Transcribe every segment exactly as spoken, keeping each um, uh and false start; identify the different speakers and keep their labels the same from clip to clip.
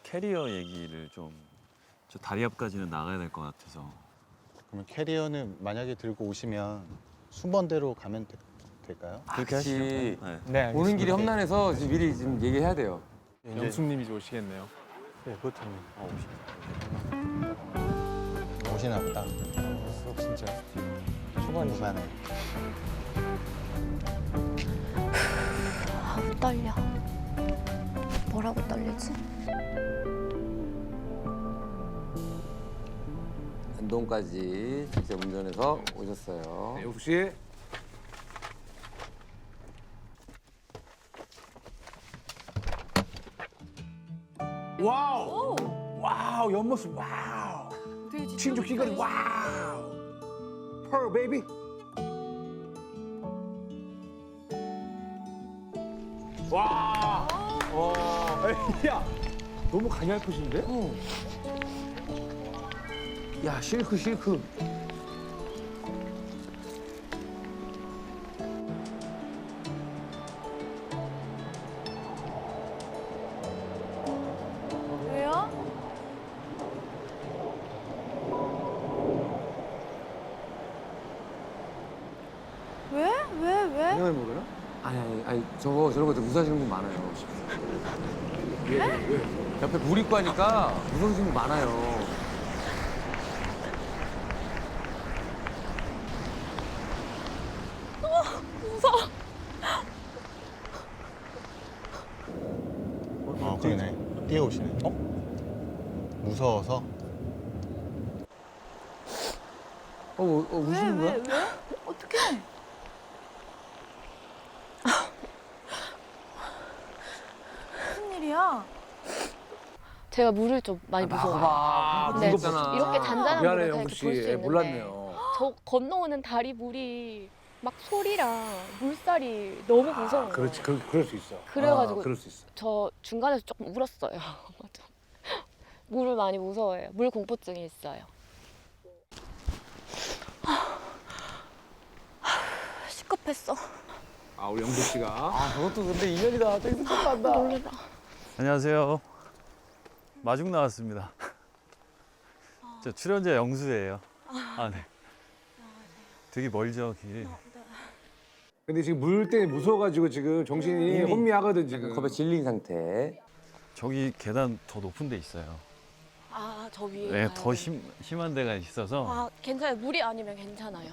Speaker 1: 캐리어 얘기를 좀, 저 다리 앞까지는 나가야 될 것 같아서.
Speaker 2: 그러면 캐리어는 만약에 들고 오시면 순번대로 가면 되, 될까요?
Speaker 3: 그렇게 하시죠.
Speaker 1: 네.
Speaker 4: 네, 알겠습니다.
Speaker 3: 오는 길이 험난해서 지금 미리 지금 얘기해야 돼요.
Speaker 4: 영숙님이 이제 오시겠네요.
Speaker 2: 네, 그렇다면
Speaker 1: 어,
Speaker 2: 오시나 보다.
Speaker 4: 수업 진짜.
Speaker 2: 초반이만에.
Speaker 5: 아우 떨려. 뭐라고 떨리지?
Speaker 3: 안동까지 직접 운전해서 오셨어요.
Speaker 6: 네, 영숙 씨. 와우. 와우, 옆모습 와우. 친족 귀걸이 와우. 펄 베이비. 와. 와. 야, 너무 가냘프신데? 야, 실크 실크.
Speaker 5: 왜요? 왜? 왜? 왜?
Speaker 6: 생각해 먹어요?
Speaker 3: 아니 아니 아니 저거 저런 거 무서워하시는 분 많아요.
Speaker 6: 왜? 왜?
Speaker 3: 옆에 물 있고 하니까 무서우시는 분 많아요.
Speaker 5: 무서워.
Speaker 2: 어, 그러네. 뛰어오시네. 어? 무서워서?
Speaker 3: 어, 어, 어
Speaker 5: 왜?
Speaker 3: 우시는
Speaker 5: 왜?
Speaker 3: 거야?
Speaker 5: 왜? 어떡해? 무슨 일이야? 제가 물을 좀 많이 무서워해요.
Speaker 3: 봐봐.
Speaker 5: 네,
Speaker 3: 무섭잖아.
Speaker 5: 이렇게 잔잔한
Speaker 6: 미안해요,
Speaker 5: 물을 다
Speaker 6: 영숙
Speaker 5: 이렇게 볼 수
Speaker 6: 씨.
Speaker 5: 있는데
Speaker 6: 몰랐네요.
Speaker 5: 저 건너오는 다리 물이 막 소리랑 물살이 너무 무서워요.
Speaker 6: 그렇지, 그, 그럴 수 있어.
Speaker 5: 그래가지고
Speaker 6: 아, 그럴 수 있어.
Speaker 5: 저 중간에서 조금 울었어요. 맞아. 물을 많이 무서워해요. 물 공포증이 있어요. 시급했어.
Speaker 6: 아, 우리 영숙 씨가.
Speaker 3: 아 저것도 근데 인연이다. 저기서 쫓아간다.
Speaker 5: 놀래라.
Speaker 1: 안녕하세요. 마중 나왔습니다. 저 출연자 영수예요. 아, 네. 되게 멀죠, 길.
Speaker 6: 근데 지금 물 때문에 무서워가지고 지금 정신이 혼미하거든, 지금.
Speaker 3: 겁에 질린 상태.
Speaker 1: 저기 계단 더 높은 데 있어요.
Speaker 5: 아, 저 위에.
Speaker 1: 네,
Speaker 5: 가야
Speaker 1: 더
Speaker 5: 돼.
Speaker 1: 심, 심한 데가 있어서
Speaker 5: 아, 괜찮아요. 물이 아니면 괜찮아요.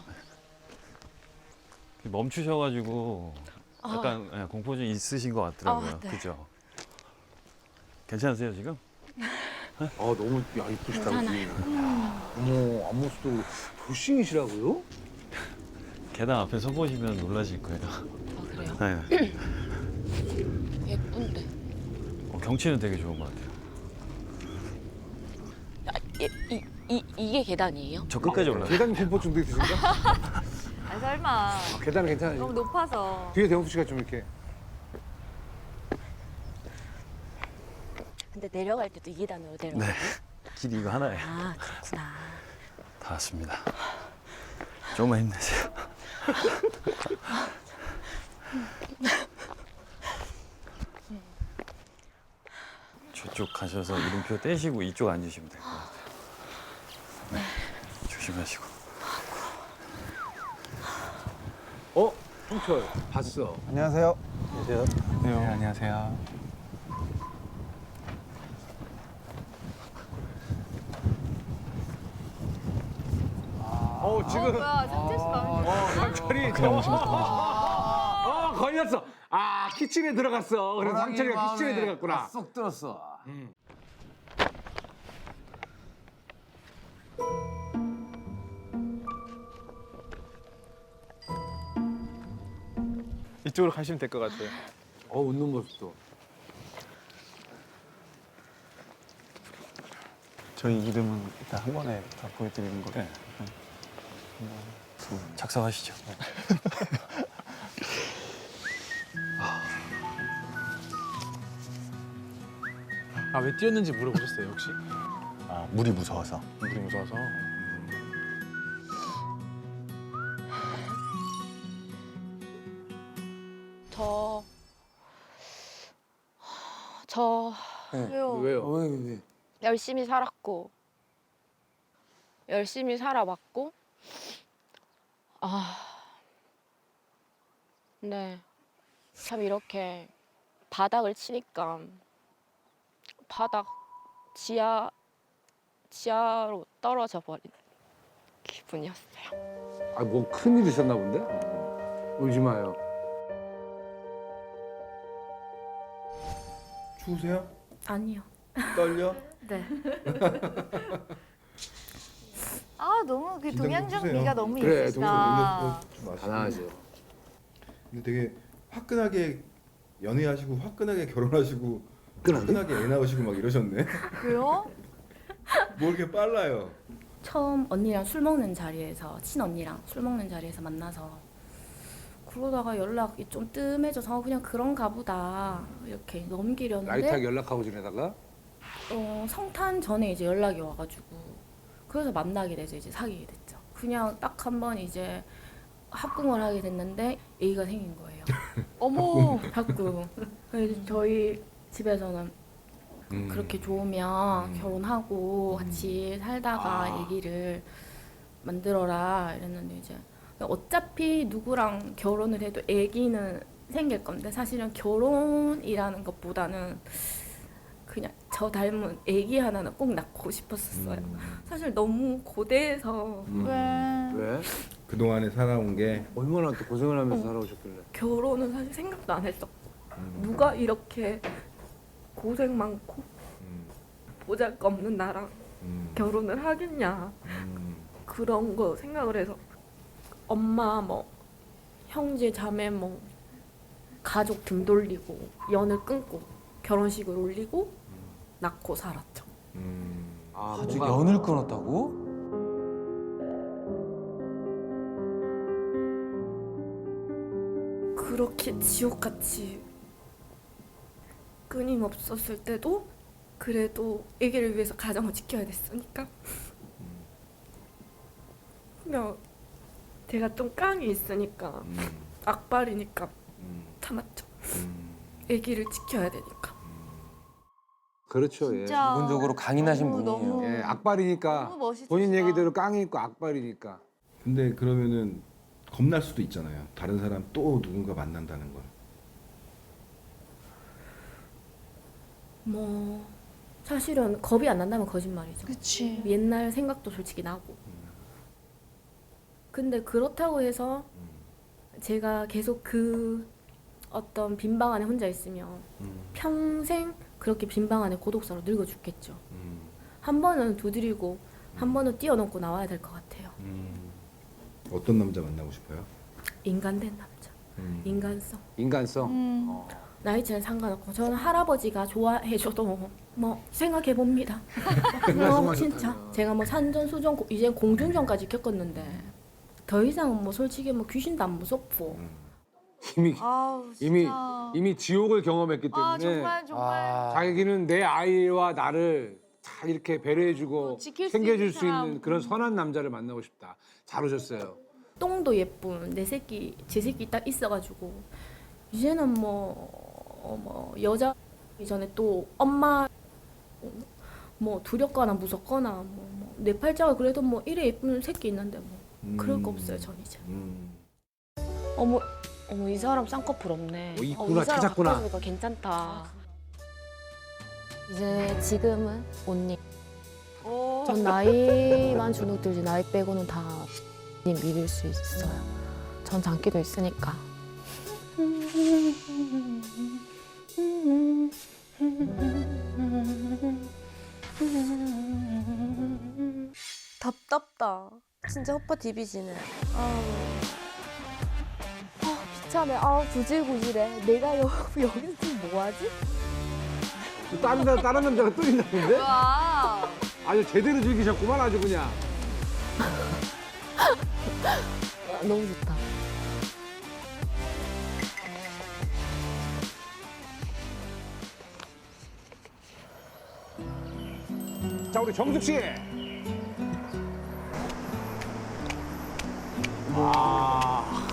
Speaker 1: 멈추셔가지고 약간 예, 공포증 있으신 것 같더라고요.
Speaker 5: 아, 네.
Speaker 1: 그죠? 괜찮으세요, 지금?
Speaker 6: 아, 너무, 야, 이쁘시다,
Speaker 5: 괜찮아요.
Speaker 6: 그지? 어머, 앞모습도 돌싱이시라고요?
Speaker 1: 계단 앞에 서 보시면 놀라실 거예요.
Speaker 5: 아, 그래요?
Speaker 1: 네.
Speaker 5: 예쁜데.
Speaker 1: 어, 경치는 되게 좋은 것 같아요.
Speaker 5: 아, 이, 이, 이, 이게 계단이에요?
Speaker 1: 저 끝까지 올라요.
Speaker 6: 계단 공포증도 있으신가?
Speaker 7: 아 설마
Speaker 6: 아, 계단은 괜찮아요.
Speaker 7: 너무 높아서
Speaker 6: 뒤에 대웅 씨가 좀 이렇게.
Speaker 5: 근데 내려갈 때도 이 계단으로 내려가요?
Speaker 1: 네. 길이 이거 하나예요.
Speaker 5: 아, 그렇구나.
Speaker 1: 다 왔습니다. 조금만 힘내세요. 저쪽 가셔서 이름표 떼시고 이쪽 앉으시면 될 것 같아요. 네. 조심하시고.
Speaker 6: 어? 형철, 봤어.
Speaker 2: 안녕하세요. 안녕하세요.
Speaker 4: 네, 안녕하세요.
Speaker 6: 어,
Speaker 7: 어
Speaker 6: 지금.
Speaker 7: 뭐야 상철 씨 마음에
Speaker 6: 어, 상철이.
Speaker 4: 그냥 오시면 더
Speaker 6: 어, 걸렸어. 아, 키친에 들어갔어. 그래서 상철이가 키친에 들어갔구나.
Speaker 3: 쏙 들었어.
Speaker 4: 이쪽으로 가시면 될 것 같아요.
Speaker 6: 어, 웃는 모습도.
Speaker 2: 저희 이름은 일단 한 번에 다 보여드리는 거예요.
Speaker 1: 네. 작성하시죠.
Speaker 4: 아, 왜 뛰었는지 물어보셨어요, 혹시?
Speaker 2: 아, 물이 무서워서.
Speaker 4: 물이 무서워서.
Speaker 5: 저, 저
Speaker 7: 왜요?
Speaker 6: 왜요? 왜, 왜?
Speaker 5: 열심히 살았고 열심히 살아왔고 아 네. 참 이렇게 바닥을 치니까 바닥 지하 지하로 떨어져 버린 기분이었어요.
Speaker 6: 아, 뭐 큰일 있었나 본데? 울지 마요.
Speaker 8: 추우세요?
Speaker 5: 아니요.
Speaker 8: 떨려?
Speaker 7: 네. 아 너무 그
Speaker 8: 긴장 좀
Speaker 7: 동양정미가
Speaker 8: 푸세요.
Speaker 7: 너무
Speaker 6: 그래,
Speaker 7: 있으시다.
Speaker 8: 음료 좀 마시고.
Speaker 6: 가난하죠.
Speaker 8: 근데 되게 화끈하게 연애하시고 화끈하게 결혼하시고
Speaker 6: 화끈하게?
Speaker 8: 화끈하게 애 낳으시고 막 이러셨네.
Speaker 7: 그래요?
Speaker 8: 뭐 이렇게 빨라요?
Speaker 9: 처음 언니랑 술 먹는 자리에서 친언니랑 술 먹는 자리에서 만나서 그러다가 연락이 좀 뜸해져서 그냥 그런가 보다 이렇게 넘기려는데
Speaker 6: 라이트하게 연락하고 지내다가
Speaker 9: 어, 성탄 전에 이제 연락이 와가지고 그래서 만나게 되죠. 이제 사귀게 됐죠. 그냥 딱 한 번 이제 합궁을 하게 됐는데 애기가 생긴 거예요.
Speaker 7: 어머.
Speaker 9: 합궁. 그래서 저희 집에서는
Speaker 8: 음.
Speaker 9: 그렇게 좋으면
Speaker 8: 음.
Speaker 9: 결혼하고 같이 살다가
Speaker 6: 아.
Speaker 9: 아기를 만들어라 이랬는데 이제 어차피 누구랑 결혼을 해도 아기는 생길 건데 사실은 결혼이라는 것보다는 그냥 저 닮은 아기 하나는 꼭 낳고 싶었었어요.
Speaker 8: 음.
Speaker 9: 사실 너무 고대해서
Speaker 8: 음.
Speaker 7: 왜?
Speaker 6: 왜?
Speaker 8: 그동안에 살아온 게
Speaker 6: 얼마나 또 고생을 하면서
Speaker 9: 어.
Speaker 6: 살아오셨길래.
Speaker 9: 결혼은 사실 생각도 안 했었고
Speaker 8: 음.
Speaker 9: 누가 이렇게 고생 많고
Speaker 8: 음.
Speaker 9: 보잘것없는 나랑
Speaker 8: 음.
Speaker 9: 결혼을 하겠냐
Speaker 8: 음.
Speaker 9: 그런 거 생각을 해서 엄마 뭐 형제 자매 뭐 가족 등 돌리고 연을 끊고 결혼식을 올리고 낳고 살았죠.
Speaker 8: 음.
Speaker 6: 아,
Speaker 3: 아주
Speaker 6: 뭔가-
Speaker 3: 연을 끊었다고?
Speaker 9: 그렇게 지옥같이 끊임없었을 때도 그래도 아기를 위해서 가정을 지켜야 됐으니까 그냥 제가 좀 깡이 있으니까
Speaker 8: 음.
Speaker 9: 악발이니까
Speaker 8: 음.
Speaker 9: 참았죠.
Speaker 8: 음.
Speaker 9: 아기를 지켜야 되니까.
Speaker 6: 그렇죠. 예.
Speaker 7: 진짜.
Speaker 3: 기본적으로 강인하신
Speaker 7: 너무,
Speaker 3: 분이에요.
Speaker 7: 너무.
Speaker 6: 예, 악발이니까
Speaker 7: 너무 멋있으시다.
Speaker 6: 본인 얘기대로 깡이 있고 악발이니까.
Speaker 8: 근데 그러면은 겁날 수도 있잖아요. 다른 사람 또 누군가 만난다는 걸.
Speaker 9: 뭐 사실은 겁이 안 난다면 거짓말이죠.
Speaker 7: 그치.
Speaker 9: 옛날 생각도 솔직히 나고. 근데 그렇다고 해서 제가 계속 그 어떤 빈방 안에 혼자 있으면
Speaker 8: 음.
Speaker 9: 평생 그렇게 빈방 안에 고독사로 늙어 죽겠죠.
Speaker 8: 음.
Speaker 9: 한 번은 두드리고 한 번은 뛰어넘고 나와야 될 것 같아요.
Speaker 8: 음. 어떤 남자 만나고 싶어요?
Speaker 9: 인간된 남자,
Speaker 8: 음.
Speaker 9: 인간성.
Speaker 6: 인간성.
Speaker 7: 음.
Speaker 6: 어.
Speaker 9: 나이차는 상관없고 저는 할아버지가 좋아해줘도 뭐 생각해 봅니다. 뭐 진짜 제가 뭐 산전수전 고- 이제 공중전까지 겪었는데 더 이상은 뭐 솔직히 뭐 귀신도 안 무섭고
Speaker 8: 음.
Speaker 6: 이미
Speaker 7: 아우 진짜.
Speaker 6: 이미 이미 지옥을 경험했기 때문에
Speaker 7: 아 정말 정말.
Speaker 3: 아,
Speaker 6: 자기는 내 아이와 나를 잘 이렇게 배려해주고
Speaker 7: 어, 지킬 수
Speaker 6: 챙겨줄
Speaker 7: 있는
Speaker 6: 수
Speaker 7: 사람.
Speaker 6: 있는 그런 선한 남자를 만나고 싶다. 잘 오셨어요.
Speaker 9: 똥도 예쁜 내 새끼 제 새끼 딱 있어가지고 이제는 뭐, 어, 뭐 여자 이전에 또 엄마 뭐 두렵거나 무섭거나 뭐, 뭐 내 팔자가 그래도 뭐 이래 예쁜 새끼 있는데 뭐
Speaker 8: 음.
Speaker 9: 그럴 거 없어요 전 이제.
Speaker 8: 음.
Speaker 5: 어머 어머 이 사람 쌍꺼풀 없네.
Speaker 6: 어, 있구나,
Speaker 5: 어, 이 사람
Speaker 6: 찾았구나.
Speaker 5: 가까이 보니까 괜찮다. 이제 지금은 언니.
Speaker 7: 오.
Speaker 5: 전 나이만 주눅 들지 나이 빼고는 다 언니 믿을 수 있어요. 전 장기도 있으니까. 답답다. 진짜 헛바 디비지네. 아, 아 비참해. 아 구질구질해. 내가 여, 여기서 지금 뭐하지?
Speaker 6: 또 다른 남- 다른 남자가 또 있나본데?
Speaker 7: 와.
Speaker 6: 아주 제대로 즐기셨구만 아주 그냥.
Speaker 5: 아, 너무 좋다.
Speaker 6: 자 우리 정숙 씨. 아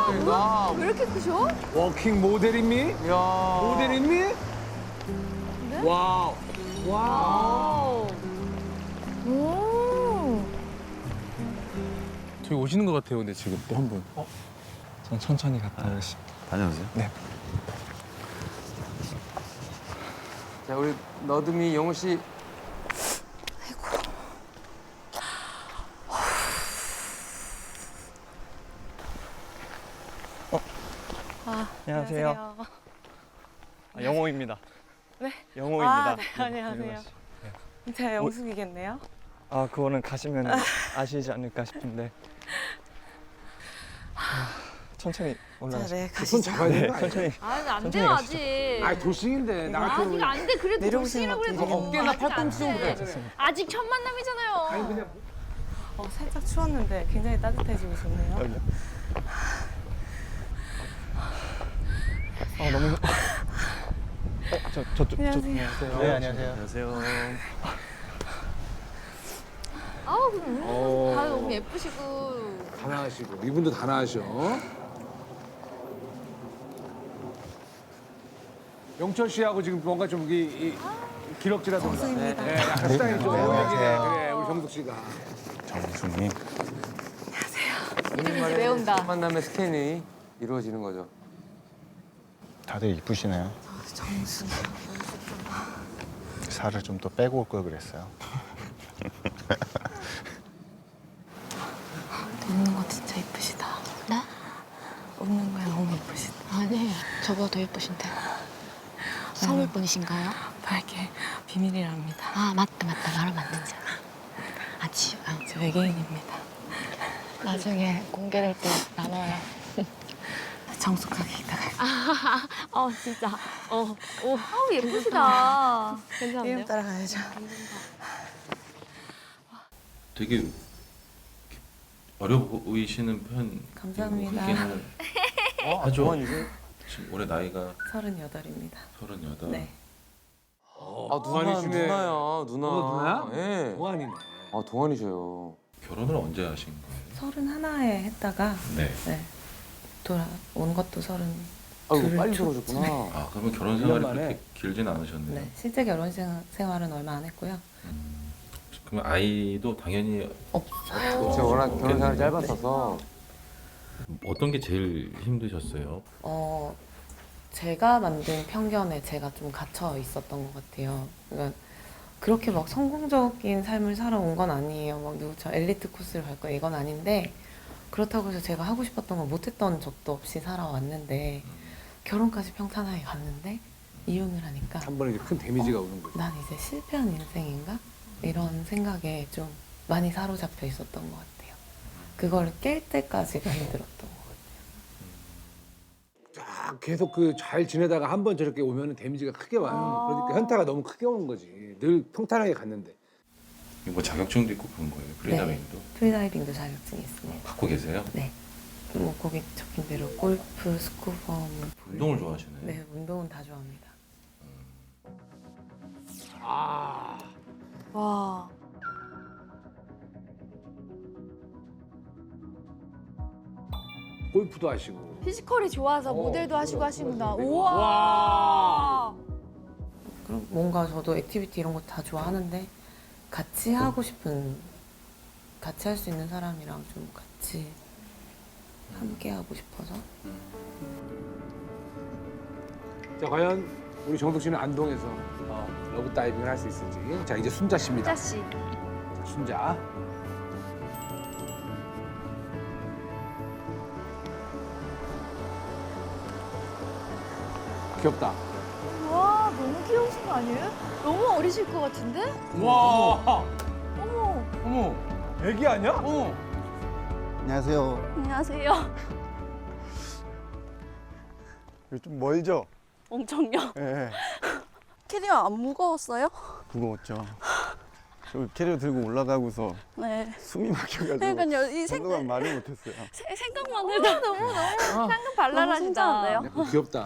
Speaker 7: 와, 왜 이렇게 크셔?
Speaker 6: 워킹 모델입니?
Speaker 3: 야.
Speaker 6: 모델입니?
Speaker 7: 네?
Speaker 6: 와우. 와우.
Speaker 5: 오.
Speaker 4: 저기 오시는 것 같아요, 근데 지금 또 한 분. 어? 전 천천히 갔다 오겠습니다.
Speaker 1: 다녀오세요.
Speaker 4: 네.
Speaker 3: 자, 우리 너드미 영호 씨.
Speaker 10: 안녕하세요. 아, 영호입니다.
Speaker 7: 네?
Speaker 10: 영호입니다.
Speaker 7: 아, 네, 안녕하세요. 제가 영숙이겠네요.
Speaker 10: 아, 그거는 가시면 아시지 않을까 싶은데. 아, 천천히 올라가시죠.
Speaker 7: 네,
Speaker 6: 손 잡아야 되는 거 아니야?
Speaker 10: 천천히.
Speaker 7: 아, 안
Speaker 10: 천천히
Speaker 7: 돼요,
Speaker 10: 가시죠.
Speaker 7: 아직.
Speaker 6: 아, 도식인데. 나 같은
Speaker 7: 아직 안 돼. 그래도
Speaker 10: 내려오시는
Speaker 7: 도시라고
Speaker 10: 것
Speaker 7: 그래도
Speaker 10: 같아요.
Speaker 6: 어깨나
Speaker 7: 아직 안
Speaker 6: 팔꿈치 정도
Speaker 7: 돼.
Speaker 6: 돼.
Speaker 7: 아직 첫 만남이잖아요.
Speaker 6: 아니, 그냥.
Speaker 7: 어, 살짝 추웠는데 굉장히 따뜻해지고 좋네요.
Speaker 10: 여기요. 아, 너무. 어, 저, 저쪽.
Speaker 7: 안녕하세요.
Speaker 10: 저,
Speaker 2: 네, 안녕하세요.
Speaker 1: 안녕하세요.
Speaker 7: 아우, 음,
Speaker 6: 어.
Speaker 7: 다들 너무 예쁘시고.
Speaker 6: 다 나으시고. 이분도 다 나으셔. 영철 씨하고 지금 뭔가 좀 이, 이 기럭지라든가.
Speaker 7: 정수입니다.
Speaker 6: 네, 약간 스타일이 좀
Speaker 2: 안녕하세요.
Speaker 6: 그래, 우리 정숙 씨가.
Speaker 1: 정수님.
Speaker 7: 이름이 외운다.
Speaker 3: 첫 만남의 스캔이 이루어지는 거죠.
Speaker 2: 다들 이쁘시네요.
Speaker 5: 정수.
Speaker 2: 살을 좀 더 빼고 올 걸 그랬어요.
Speaker 5: 웃는 거 진짜 예쁘시다. 나?
Speaker 7: 웃는 거야 너무 예쁘시다.
Speaker 5: 아니에요. 저보다 더 예쁘신데. 서울 분이신가요?
Speaker 7: 밝게 비밀이랍니다.
Speaker 5: 아 맞다 맞다 말하면 안 되잖아. 아 지. 아,
Speaker 7: 저 외계인입니다.
Speaker 5: 나중에 공개될 때 나눠요.
Speaker 7: 정숙하게 이따가.
Speaker 5: 아, 어 진짜. 어, 오.
Speaker 7: 아우 예쁘시다.
Speaker 5: 괜찮은데요?
Speaker 7: 이름 따라가야죠.
Speaker 11: 되게 어려 보이시는 편.
Speaker 7: 감사합니다.
Speaker 11: 어, 하죠. 지금 올해 나이가
Speaker 7: 서른여덟입니다.
Speaker 11: 서른여덟.
Speaker 7: 네.
Speaker 3: 아, 누나,
Speaker 6: 동안이시네.
Speaker 3: 누나야, 누나.
Speaker 6: 어, 누나야?
Speaker 3: 예.
Speaker 6: 동안이네.
Speaker 3: 아, 동안이셔요.
Speaker 11: 결혼을 언제 하신 거예요?
Speaker 7: 서른 하나에 했다가
Speaker 11: 네.
Speaker 7: 네. 돌아온 것도 서른.
Speaker 3: 아이고,
Speaker 7: 둘
Speaker 3: 빨리
Speaker 7: 초-
Speaker 3: 들어오셨구나.
Speaker 11: 아 그러면 결혼 생활이
Speaker 6: 일 년 만에?
Speaker 11: 그렇게 길진 않으셨네요.
Speaker 7: 네. 실제 결혼 생- 생활은 얼마 안 했고요.
Speaker 11: 음, 그러면 아이도 당연히
Speaker 7: 없어요.
Speaker 3: 제가 워낙 결혼 생활이
Speaker 11: 없겠네요.
Speaker 3: 짧았어서.
Speaker 11: 어떤 게 제일 힘드셨어요?
Speaker 7: 어, 제가 만든 편견에 제가 좀 갇혀 있었던 것 같아요. 그러니까 그렇게 막 성공적인 삶을 살아온 건 아니에요. 막 누구처럼 엘리트 코스를 갈 거야 이건 아닌데 그렇다고 해서 제가 하고 싶었던 걸 못했던 적도 없이 살아왔는데 결혼까지 평탄하게 갔는데 이혼을 하니까
Speaker 6: 한 번에 이제 큰 데미지가 오는 거죠.
Speaker 7: 난 이제 실패한 인생인가? 이런 생각에 좀 많이 사로잡혀 있었던 것 같아요. 그걸 깰 때까지가 힘들었던 것 같아요.
Speaker 6: 쫙 계속 그 잘 지내다가 한 번 저렇게 오면 데미지가 크게 와요. 그러니까 현타가 너무 크게 오는 거지. 늘 평탄하게 갔는데.
Speaker 11: 뭐 자격증도 있고 그런 거예요? 프리다이빙도?
Speaker 7: 프리다이빙도 자격증이 있습니다.
Speaker 11: 갖고 계세요?
Speaker 7: 네. 뭐 거기 적힌 대로 골프, 스쿠버, 뭐
Speaker 11: 운동을 좋아하시네요.
Speaker 7: 네, 운동은 다 좋아합니다.
Speaker 6: 아.
Speaker 7: 와.
Speaker 6: 골프도 하시고.
Speaker 7: 피지컬이 좋아서
Speaker 6: 모델도 하시고
Speaker 7: 하시구나.
Speaker 6: 우와. 와.
Speaker 7: 그럼 뭔가 저도 액티비티 이런 거 다 좋아하는데 같이 하고 싶은 같이 할 수 있는 사람이랑 좀 같이 함께 하고 싶어서.
Speaker 6: 자, 과연 우리 정숙 씨는 안동에서 어, 러브 다이빙을 할 수 있을지. 자, 이제 순자 씨입니다.
Speaker 7: 씨.
Speaker 6: 자, 순자. 귀엽다.
Speaker 7: 와, 너무 귀여우신 거 아니에요? 너무 어리실 것 같은데?
Speaker 6: 와.
Speaker 7: 어머.
Speaker 4: 어머, 애기 아니야?
Speaker 6: 어.
Speaker 2: 안녕하세요.
Speaker 7: 안녕하세요.
Speaker 10: 여기 좀 멀죠?
Speaker 7: 엄청요.
Speaker 10: 예,
Speaker 7: 캐리어 안 무거웠어요?
Speaker 10: 무거웠죠. 저 캐리어 들고 올라가고서
Speaker 7: 네.
Speaker 10: 숨이 막혀가지고
Speaker 7: 그러니까요. 이 생,
Speaker 10: 한동안 말을 못했어요.
Speaker 7: 생각만 해도 너무 너무 상큼 발랄하시다.
Speaker 6: 네, 귀엽다.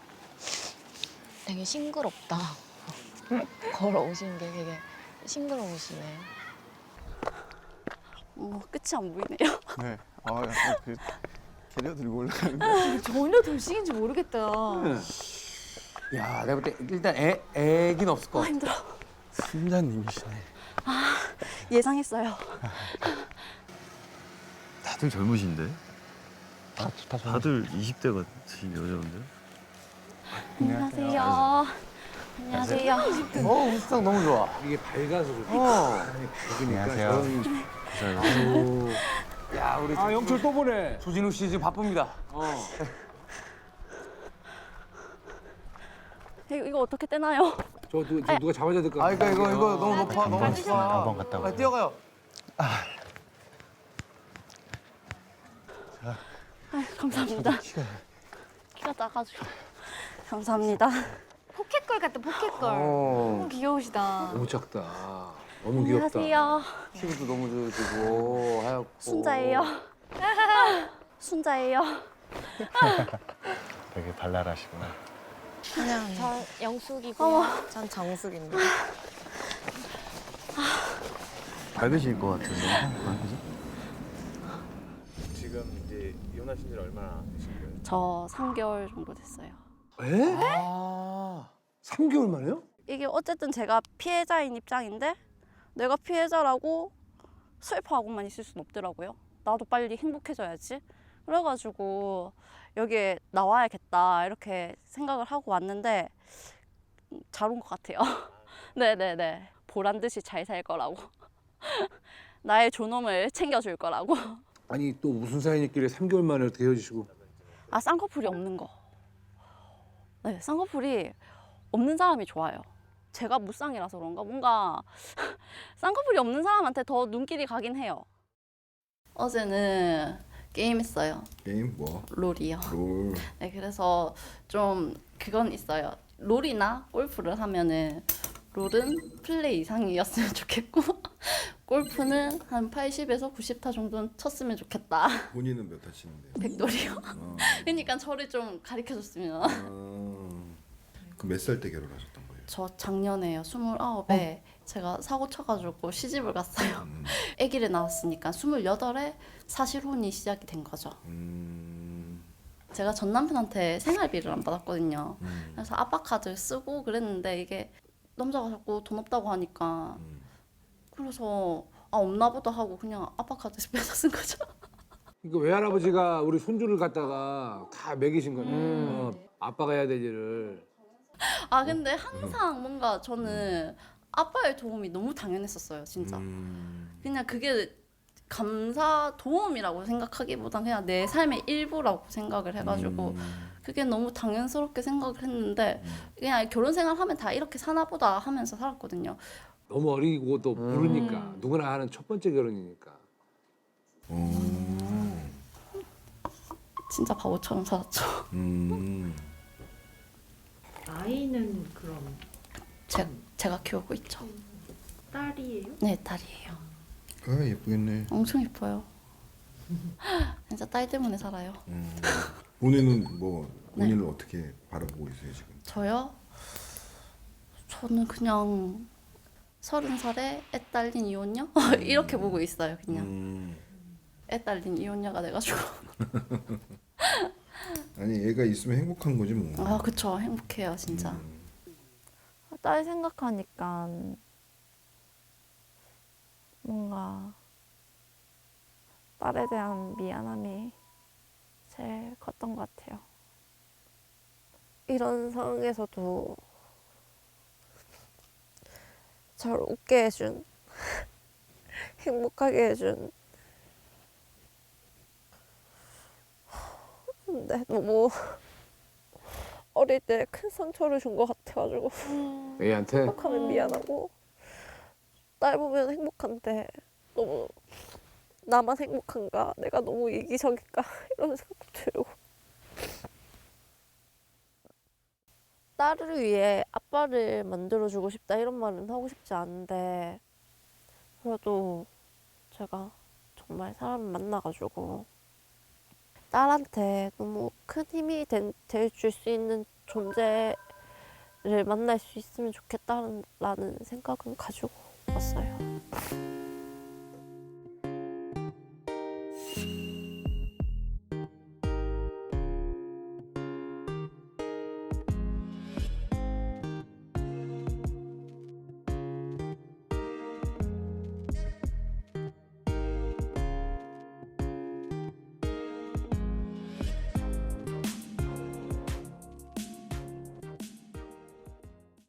Speaker 5: 되게 싱그럽다. 걸어오신 게 되게 싱그러우시네.
Speaker 7: 어, 끝이 안 보이네요.
Speaker 10: 네, 아, 약간 그 캐리어 들고 올라가는 거.
Speaker 7: 전혀 돌싱인지 모르겠다.
Speaker 6: 네.
Speaker 3: 야, 내가 볼 때 일단 애 애긴 없을 것
Speaker 12: 아
Speaker 3: 같아.
Speaker 12: 힘들어.
Speaker 4: 팀장님이시네.
Speaker 12: 아 예상했어요.
Speaker 1: 다들 젊으신데?
Speaker 4: 다, 다 저.
Speaker 1: 다들 이십 대 같으신 여자분들?
Speaker 12: 안녕하세요. 안녕하세요.
Speaker 3: 어, 우스탕 너무 좋아.
Speaker 6: 이게 밝아서 그래.
Speaker 3: 어.
Speaker 6: 밝으니까
Speaker 2: 안녕하세요.
Speaker 6: 저런
Speaker 1: 감사합니다.
Speaker 3: 야, 우리
Speaker 6: 아 영철 또 보내.
Speaker 3: 조진우 씨 지금 바쁩니다.
Speaker 6: 어.
Speaker 12: 이거, 이거 어떻게 떼나요?
Speaker 6: 저, 누, 저 누가 잡아줘야 될 것 같아.
Speaker 3: 아, 이거 이거 이거 너무 높아, 너무 높아.
Speaker 2: 한번 갔다
Speaker 3: 빨리
Speaker 2: 오세요.
Speaker 3: 뛰어가요.
Speaker 12: 아유, 감사합니다. 키가 작아지고. 감사합니다.
Speaker 5: 포켓걸 같다 포켓걸.
Speaker 3: 어.
Speaker 5: 너무 귀여우시다.
Speaker 6: 너무 작다. 너무 귀엽다.
Speaker 12: 안녕하세요.
Speaker 3: 피부도 너무 좋으시고 하얗고.
Speaker 12: 순자예요. 순자예요.
Speaker 2: 되게 발랄하시구나.
Speaker 5: 그냥 저 영숙이고
Speaker 12: 어머.
Speaker 5: 전 정숙입니다.
Speaker 1: 밝으실 것 같은데. 그죠?
Speaker 11: 지금 이제 이혼하신 지 얼마나 되신 거예요?
Speaker 12: 저 삼 개월 정도 됐어요.
Speaker 6: 에?
Speaker 3: 아.
Speaker 6: 삼 개월 만에요?
Speaker 12: 이게 어쨌든 제가 피해자인 입장인데 내가 피해자라고 슬퍼하고만 있을 순 없더라고요. 나도 빨리 행복해져야지. 그래가지고 여기에 나와야겠다 이렇게 생각을 하고 왔는데 잘 온 것 같아요. 네네네. 보란 듯이 잘 살 거라고. 나의 존엄을 챙겨줄 거라고.
Speaker 6: 아니 또 무슨 사연이길래 삼 개월 만에 어떻게 헤어지시고?
Speaker 12: 아 쌍꺼풀이 없는 거. 네, 쌍꺼풀이 없는 사람이 좋아요. 제가 무쌍이라서 그런가 뭔가 쌍꺼풀이 없는 사람한테 더 눈길이 가긴 해요. 어제는 게임했어요.
Speaker 8: 게임 뭐?
Speaker 12: 롤이요.
Speaker 8: 롤.
Speaker 12: 네, 그래서 좀 그건 있어요. 롤이나 골프를 하면은 롤은 플레이 이상이었으면 좋겠고 골프는 한 팔십에서 구십 타 정도는 쳤으면 좋겠다.
Speaker 8: 본인은 몇 타치는데요?
Speaker 12: 백돌이요.
Speaker 8: 어.
Speaker 12: 그러니까 저를 좀 가르쳐줬으면.
Speaker 8: 어. 그럼 몇 살 때 결혼하셨던 거예요?
Speaker 12: 저 작년에요. 스물아홉에 제가 사고 쳐가지고 시집을 갔어요.
Speaker 8: 음.
Speaker 12: 아기를 낳았으니까 스물여덟에 사실혼이 시작이 된 거죠.
Speaker 8: 음.
Speaker 12: 제가 전 남편한테 생활비를 안 받았거든요.
Speaker 8: 음.
Speaker 12: 그래서 아빠 카드 쓰고 그랬는데 이게 남자가 자꾸 돈 없다고 하니까
Speaker 8: 음.
Speaker 12: 그래서 아 없나 보다 하고 그냥 아빠 카드 빼서 쓴 거죠.
Speaker 6: 그러니까 외할아버지가 우리 손주를 갖다가 다 먹이신 거네.
Speaker 3: 음.
Speaker 6: 어, 아빠가 해야 될 일을.
Speaker 12: 아 근데 항상 뭔가 저는 아빠의 도움이 너무 당연했었어요. 진짜.
Speaker 8: 음.
Speaker 12: 그냥 그게 감사 도움이라고 생각하기보단 그냥 내 삶의 일부라고 생각을 해가지고
Speaker 8: 음.
Speaker 12: 그게 너무 당연스럽게 생각을 했는데 그냥 결혼 생활하면 다 이렇게 사나 보다 하면서 살았거든요.
Speaker 6: 너무 어리고 또 모르니까
Speaker 12: 음.
Speaker 6: 누구나 하는 첫 번째 결혼이니까.
Speaker 8: 어.
Speaker 12: 진짜 바보처럼 살았죠.
Speaker 8: 음.
Speaker 13: 아이는 그럼
Speaker 12: 제, 제가 키우고 있죠.
Speaker 13: 딸이에요?
Speaker 12: 네, 딸이에요.
Speaker 8: 아 예쁘겠네.
Speaker 12: 엄청 예뻐요. 진짜 딸 때문에 살아요.
Speaker 8: 음. 본인은 뭐
Speaker 12: 네.
Speaker 8: 본인을 어떻게 바라보고 있어요 지금?
Speaker 12: 저요? 저는 그냥 서른 살에 애 딸린 이혼녀? 이렇게 보고 있어요, 그냥.
Speaker 8: 음.
Speaker 12: 애 딸린 이혼녀가 돼가지고.
Speaker 8: 아니 애가 있으면 행복한 거지 뭐.
Speaker 12: 아, 그쵸. 행복해요, 진짜.
Speaker 8: 음.
Speaker 5: 딸 생각하니까 뭔가 딸에 대한 미안함이 제일 컸던 것 같아요. 이런 상황에서도 저를 웃게 해준, 행복하게 해준. 근데 너무 어릴 때 큰 상처를 준 것 같아가지고
Speaker 6: 애한테
Speaker 5: 행복하면 미안하고 딸 보면 행복한데 너무 나만 행복한가? 내가 너무 이기적인가? 이런 생각도 들고 딸을 위해 아빠를 만들어주고 싶다 이런 말은 하고 싶지 않은데 그래도 제가 정말 사람을 만나가지고 딸한테 너무 큰 힘이 될 줄 수 있는 존재를 만날 수 있으면 좋겠다라는 생각은 가지고 왔어요.